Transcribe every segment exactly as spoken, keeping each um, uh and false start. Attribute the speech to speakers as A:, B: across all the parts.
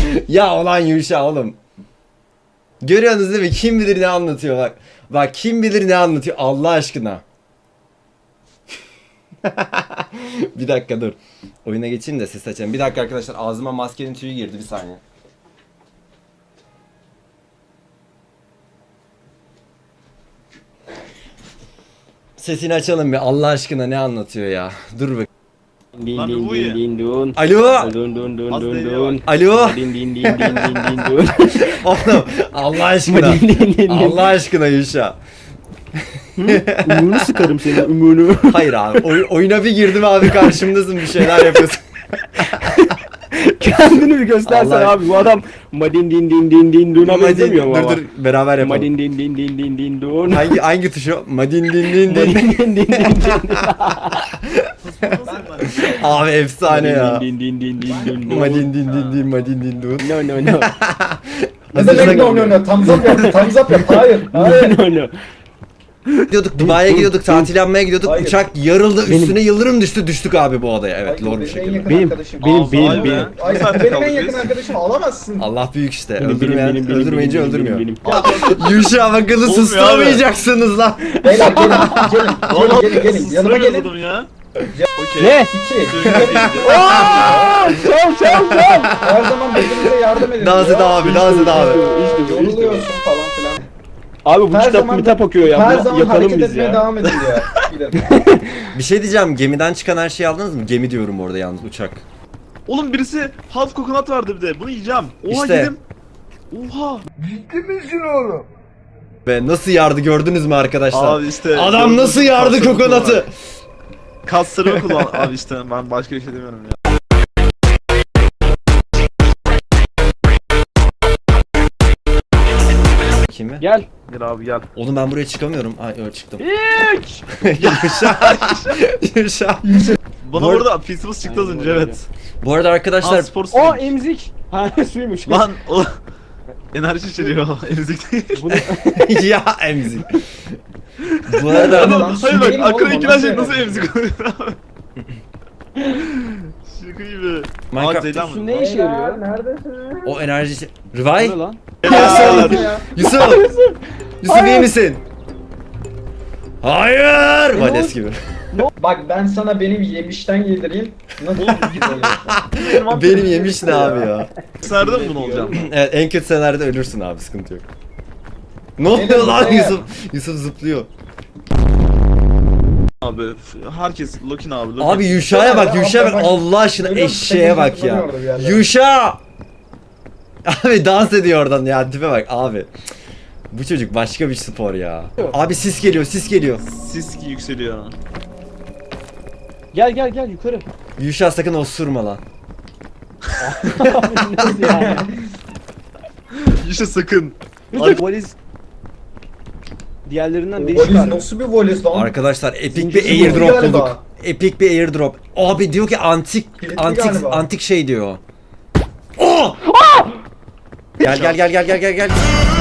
A: Ya olan Yuşa oğlum. Görüyorsunuz değil mi? Kim bilir ne anlatıyor bak. Bak kim bilir ne anlatıyor Allah aşkına. Bir dakika dur. Oyuna geçeyim de ses açayım. Bir dakika arkadaşlar ağzıma maskenin tüyü girdi bir saniye. Sesini açalım bir Allah aşkına ne anlatıyor ya. Dur bak.
B: Din
C: Lan
B: din
C: bu
B: din
C: ya.
B: din dun.
A: Alo.
B: Dun dun dun
C: Az
B: dun
C: deliye
B: dun.
A: Alo.
B: Din din din din din din dun.
A: Oğlum Allah aşkına.
B: Din din din din.
A: Allah aşkına Yuşa.
B: Ümünü sıkarım senin ümünü.
A: Hayır abi oy- oyuna bir girdim abi karşımdasın bir şeyler yapıyorsun.
B: Kendini bir göstersen
A: Allah-
B: abi bu adam madin din din din din dun'a
A: Madin,
B: benzemiyor mu
A: dur
B: ama?
A: dur beraber yapalım.
B: Madin din din din din din dun.
A: Hangi hangi tuş o? Madin din din din.
B: Madin din din din din.
A: Abi efsane ya.
B: Din din din din din dun.
A: Madin din din din madin din din.
B: No no no.
D: Ne demek no no no? Thumbs up yap, thumbs up yap. Hayır, hayır.
B: No no.
A: Gidiyorduk Dubai'ye gidiyorduk tatil yapmaya gidiyorduk
D: Hayır.
A: uçak yarıldı üstüne yıldırım düştü düştük abi bu adaya evet
D: Hayır,
A: lor bir
D: benim en
A: şekilde.
D: yakın
B: Benim-
D: arkadaşım.
B: benim-
C: Aa,
B: benim-
C: vay be.
B: benim.
D: Ay,
C: Bir saat
D: benim en
C: kaldık
D: yakın
C: biz.
D: arkadaşım alamazsın.
A: Allah büyük işte
B: Benim, benim,
A: öldürmeyen
B: benim, benim,
A: öldürmeyince
B: benim,
A: öldürmüyor.
B: benim,
A: Yuşa bakını
C: Olmuyor
A: susturamayacaksınız lan.
D: Beyler gelin, gelin,
C: Vallahi
D: gelin, gelin, gelin. Yanıma gelin.
C: Sıramıyordum ya. Okey.
B: Ne?
D: İki.
B: Aa! Şov şov şov.
D: Her zaman birbirinize yardım edin.
A: Dans et
D: ya.
A: abi dans et abi.
B: İşte bu, işte bu.
D: Yoruluyorsun falan filan.
B: Abi bu
D: Her
B: kitap
D: zaman-
B: kitap okuyor ya.
D: Her
B: Buna
D: zaman
B: yakalım
D: hareket
B: biz
D: etmeye
B: ya.
D: devam edin ya. Gidelim.
A: Bir şey diyeceğim gemiden çıkan her şeyi aldınız mı? Gemi diyorum orada yalnız uçak.
C: Oğlum birisi half kokonat vardı bir de. Bunu yiyeceğim. Oha
A: İşte.
C: yedim. Oha.
A: Ve nasıl yardı gördünüz mü arkadaşlar?
C: Abi işte.
A: Adam nasıl yardı
C: Kaslarımı
A: kokonatı?
C: kullan. Kaslarımı kullan. Abi işte ben başka bir şey demiyorum ya.
A: Kimi?
B: Gel.
C: Gel abi gel.
A: Oğlum ben buraya çıkamıyorum. Ay öyle çıktım.
B: İç.
A: Yuşa. Yuşa.
C: Bana
A: Bu
C: bu
A: arada-
C: arada Fizzles çıktı az
B: Aynen
C: önce
B: öyle.
C: evet.
A: Bu arada arkadaşlar
C: Lan spor
B: O
C: suymuş.
B: emzik. Ha suymuş.
C: Lan o enerji içeriyor. Emzik değil.
B: Bunu
A: ya emzik. Bu arada
D: Lan
C: Hayır
D: su
C: bak
D: değil mi
C: aklına
D: oğlum?
C: ilk
D: Ondan
C: şey
D: sonra
C: nasıl
D: enerji.
C: emzik oluyor abi. Şaka gibi.
A: Minecraft-
C: Aa, Ceylan
B: su
C: mı?
B: ne işe yarıyor?
D: Neredesin?
A: o enerji...
B: Bu
A: Rivay?
B: ne lan?
C: Gel.
A: Yusuf! Yusuf iyi misin? Hayır! Vales gibi.
D: Bak ben sana benim yemişten yedireyim. Nasıl
C: Oğlum
A: Benim yemiş ne abi ya?
C: Nerede mi bunu olacağım?
A: Evet en kötü senaryoda ölürsün abi sıkıntı yok. Ne oluyor
D: Benim
A: lan
D: buraya-
A: Yusuf? Yusuf zıplıyor.
C: Abi herkes Lokin abi. Lokin.
A: Abi Yuşa'ya bak Yuşa'ya bak
D: Bak,
A: Allah aşkına
D: görüyor musun?
A: eşeğe bak ya.
D: Orada bir yerler.
A: Yuşa! Abi dans ediyor oradan ya tipe bak abi. Bu çocuk başka bir spor ya. Abi sis geliyor sis geliyor.
C: Sis yükseliyor.
B: Gel gel gel yukarı.
A: Yuşa sakın osurma lan.
B: Nasıl yani?
C: İşte sakın.
B: Abi valiz diğerlerinden değişik
D: Valiz
B: abi.
D: nasıl bir valiz lan?
A: Arkadaşlar epik bir
D: Zincirsiz
A: airdrop
D: galiba.
A: bulduk. Epik bir airdrop. Abi diyor ki antik
D: Kilitli
A: antik
D: galiba.
A: antik şey diyor. Oh! Gel gel gel gel gel gel gel.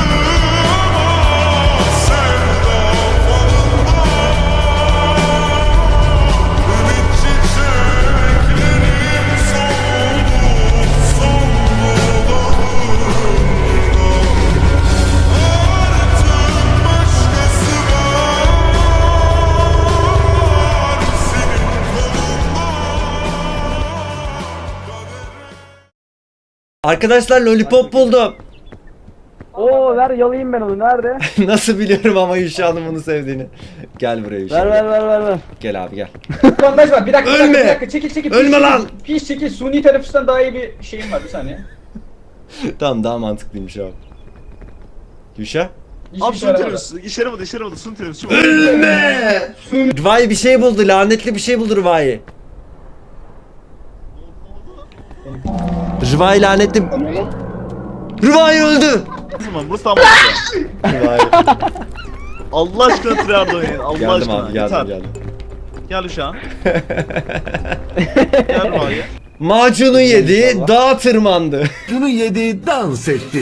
A: Arkadaşlar lollipop buldum.
B: Oo ver yalayayım ben onu nerede?
A: Nasıl biliyorum ama Yuşa'nın bunu sevdiğini. Gel buraya Yuşa.
B: ver ver ver ver ver.
A: Gel abi gel.
D: Bandaj var. Bir dakika, bir
A: Ölme!
D: dakika, bir dakika. Çekil, çekil.
A: Ölme
D: Piş,
A: lan!
D: Piş çekil. Suni teneffüsten daha iyi bir şeyim var. Bir saniye.
A: Tamam daha mantıklıymış abi. Yuşa?
D: Hiçbir
C: Abi
D: şey
C: sun
D: yaramadı.
C: tenimiz. İşe yaramadı işe yaramadı. Sun tenimiz. Şu
A: Ölme! Rıvay bir şey buldu. Lanetli bir şey buldu Rıvay. Rıvay lanetli... Rıvay öldü!
C: O zaman burası tam olacak.
A: Rıvay.
C: Allah aşkına tryhard oynayın. Allah
A: Geldim
C: aşkına.
A: abi geldim
C: Yeter.
A: geldim.
C: Gel şu an. Gel buraya.
A: Macunu yedi, dağa tırmandı.
E: Şunu yedi, dans etti.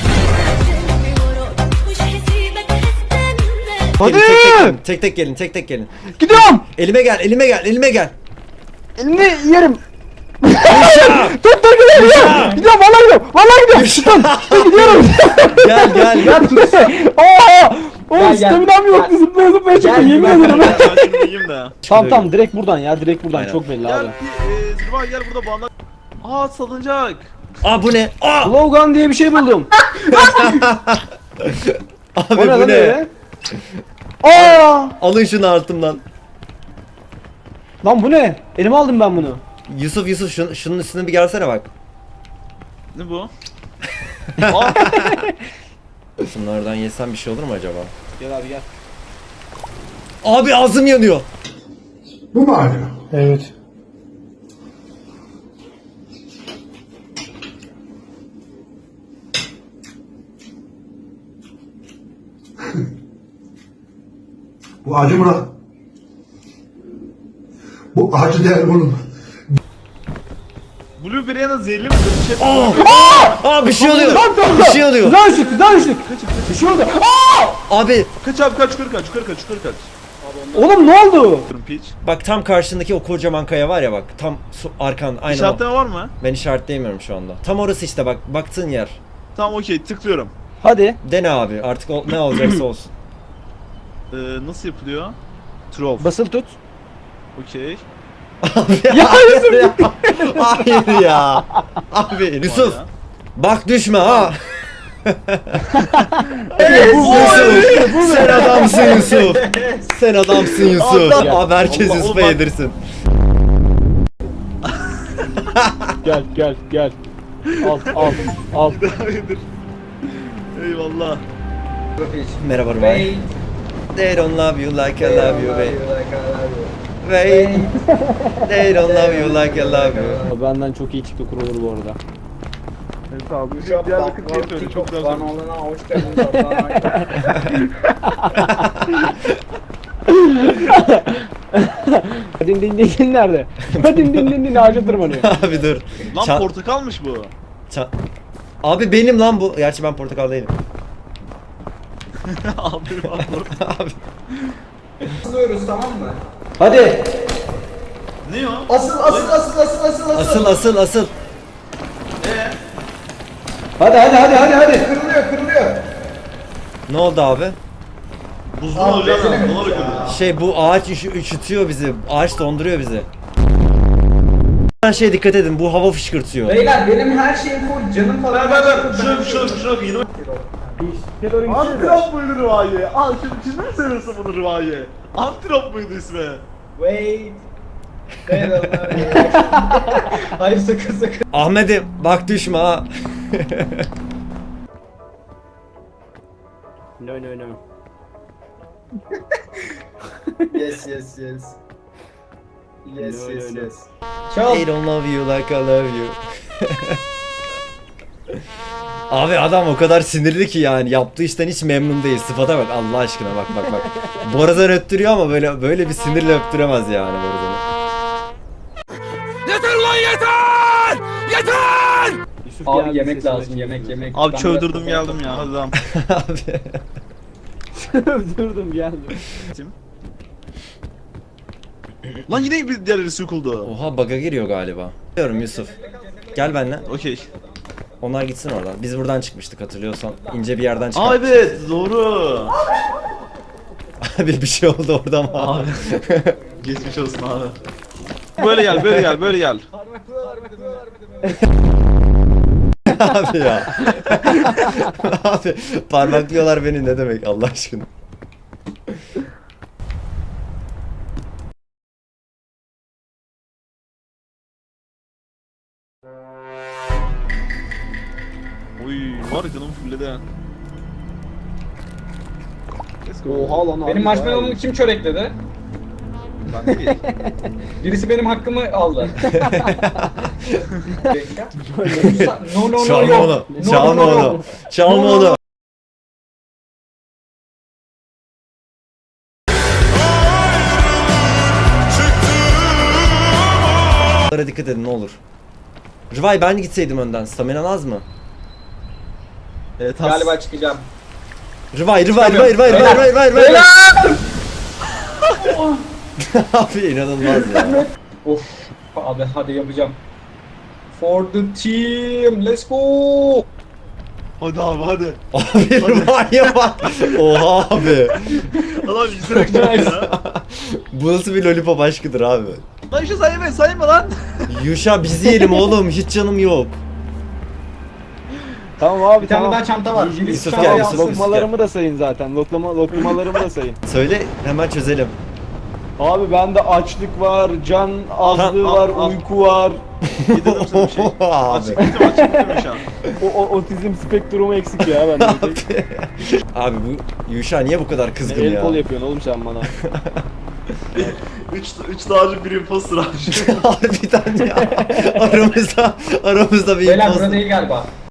A: Hadi! Tek tek, gelin, tek tek gelin, tek tek gelin.
B: Gidiyorum.
A: Elime gel, elime gel, elime gel.
B: Elini yerim. Tut tut gidiyorum. Gidiyorum vallahi gidiyorum. Vallahi gidiyorum. Şuradan. Gidiyorum.
A: Gel gel.
B: Ya tut. Oha. Oğlum
F: Gel, gel.
B: staminam yoktu. Zıplaya zıplaya çıktım.
F: Gel,
B: Yemin
F: gel.
B: ederim.
C: Ben şunu yiyeyim de.
B: Tamam tamam direkt buradan ya. Direkt buradan
A: Aynen.
B: çok belli
C: Gel
B: abi.
C: bir e, Zülvan gel burada bağla. Aa salıncak.
A: Aa bu ne? Aa!
B: Logan diye bir şey buldum.
A: Abi
B: O ne
A: bu
B: lan
A: ne?
B: öyle? Aa!
A: Alın şunu altımdan.
B: Lan bu ne? Elime aldım ben bunu.
A: Yusuf Yusuf şun, şunun üstüne bir gelsene bak.
C: Ne bu? Aa,
A: Şunlardan yesem bir şey olur mu acaba?
B: Gel abi gel.
A: Abi ağzım yanıyor.
E: Bu mu hala?
D: Evet.
E: Bu acı mı lan? Bu acı değil oğlum.
C: Blueberry'e de zehirli mi? Bir şey
A: Aa bir şey oluyor.
B: Lan tamam.
A: Bir şey oluyor.
B: Güzel ışık, güzel ışık. Bir şey oldu. Aa!
A: Abi
C: Kaç abi kaç yukarı kaç yukarı kaç yukarı kaç.
B: Oğlum ne oldu?
C: Piç.
A: bak tam karşındaki o kocaman kaya var ya bak. Tam su, arkan aynen o.
C: İşaretleme var mı?
A: Ben işaretleyemiyorum şu anda. Tam orası işte bak baktığın yer.
C: Tamam okey tıklıyorum.
B: Hadi.
A: Dene abi artık o, ne olacaksa olsun.
C: Ee, nasıl yapılıyor? Troll.
B: Basılı tut.
C: Okey.
A: ya Yusuf hayır ya. Abi Yusuf
C: Ya.
A: bak düşme ha.
B: Bu
A: Yusuf sen adamsın Yusuf. Sen adamsın Yusuf.
C: Allah-
A: Abi herkes
C: Allah-
A: Yusuf'a
C: Allah-
A: yedirsin.
B: Gel gel gel. Al al al.
C: Hayırdır. Eyvallah.
A: Merhaba Rumay. They don't love you like I love you babe. Wait. They don't love you like I love you.
B: Benden çok iyi TikToker olur bu arada.
C: Evet abi. Diyarbakır keyif öyle çok güzel söylüyor.
F: Kanalına hoş geldiniz.
B: Din din din din nerede? Din din din din ağaca tırmanıyor.
A: Abi dur.
C: Lan
A: Ça-
C: portakalmış bu.
A: ça- Abi benim lan bu. Gerçi ben portakal değilim.
C: Abi abi.
A: Abi.
F: Asılıyoruz tamam mı?
B: Hadi.
C: Ne o?
F: Asıl asıl asıl asıl asıl asıl.
A: Asıl asıl asıl.
B: Hadi hadi hadi hadi hadi.
F: Kırılıyor kırılıyor.
A: Ne oldu abi?
C: Buzlu
F: Abi,
C: hocam.
F: benim-
C: Dolar ödüyor.
A: Şey bu ağaç üşü- üşütüyor bizi. Ağaç donduruyor bizi. Ben şey dikkat edin bu hava fışkırtıyor.
F: Beyler benim her şeyim full canım falan.
C: Ver ver ver. Şuna şuna şuna yine. Antrop muydu Rıvaye? Al şimdi kimden söylüyorsun bunu Rıvaye? Antrop muydu ismi?
F: Wait. Beyler, hayır sakın sakın.
A: Ahmet'im bak düşme ha.
B: No no no.
F: Yes yes yes. Yes
B: No,
F: yes
B: no, no.
F: yes. Çal.
A: They don't love you like I love you. Abi adam o kadar sinirli ki yani yaptığı işten hiç memnun değil. Sıfata bak Allah aşkına bak bak bak. Borazan öttürüyor ama böyle böyle bir sinirle öptüremez yani Borazan'ı.
B: Yusuf
F: Abi
B: geldi,
F: yemek
B: sesini
F: lazım
B: açtı.
F: yemek yemek.
C: Abi
F: Ben
C: çövdürdüm
F: biraz-
C: geldim ya. Hadi lan.
A: Abi.
B: Durdum geldim.
C: Lan yine bir diğerleri sokuldu.
A: Oha bug'a giriyor galiba. Diyorum Yusuf. Gel benimle.
C: Okey.
A: Onlar gitsin oradan. Biz buradan çıkmıştık hatırlıyorsan. İnce bir yerden
C: Aa
A: çıkmıştık.
C: evet doğru.
A: Abi bir şey oldu orada mı?
C: Abi. Geçmiş olsun abi. Böyle gel böyle gel böyle gel.
A: Abi ya. Abi parmaklıyorlar beni ne demek Allah aşkına.
C: Oy var ya canım fulledi. ha.
B: Oha lan abi.
F: Benim marshmallow'umu kim çörekledi?
C: Ben değil.
F: Birisi benim hakkımı aldı. no no no
A: Çalma
F: no.
A: onu.
F: No,
A: Çalma
F: no, no,
A: onu.
F: no.
A: Çalma
F: No, no,
A: onu. Bunlara dikkat edin ne olur. Rıvay ben gitseydim önden. Staminan az mı?
C: Evet has.
F: Galiba çıkacağım.
A: Rıvay, Rıvay, Rıvay, Rıvay, Rıvay, Rıvay, Rıvay, Rıvay. Abi inanılmaz ya.
F: Of abi hadi yapacağım. For the team. Let's go.
C: Hadi abi hadi.
A: Abi var ya bak. Oha abi.
C: Adam yüzerek çıktı ya.
A: Bu nasıl bir lollipop aşkıdır abi.
C: Lan işte sayma sayma lan.
A: Yuşa biz yiyelim oğlum. Hiç canım yok.
B: Tamam abi
F: Bir tane
B: tamam.
F: daha çanta var.
A: Yusuf
F: Birisi
A: gel,
F: çantayı
A: Yusuf.
F: alsın.
B: Lokmalarımı da sayın zaten. Loklama, lokmalarımı da sayın.
A: Söyle hemen çözelim.
B: Abi bende açlık var, can azlığı
A: Tamam,
B: var,
C: al, al.
B: uyku var.
C: Yedirdim sana bir şey.
A: Abi.
C: Açık bitti açık bitti şu an.
B: O, o otizm spektrumu eksik ya bende.
A: Abi bu Yuşa niye bu kadar kızgın
B: El
A: ya?
B: kol yapıyorsun oğlum sen bana.
C: Üç, üç dağcı bir imposter abi.
A: Harbiden ya. Aramızda aramızda bir
F: Beyler
A: imposter.
F: burada değil galiba.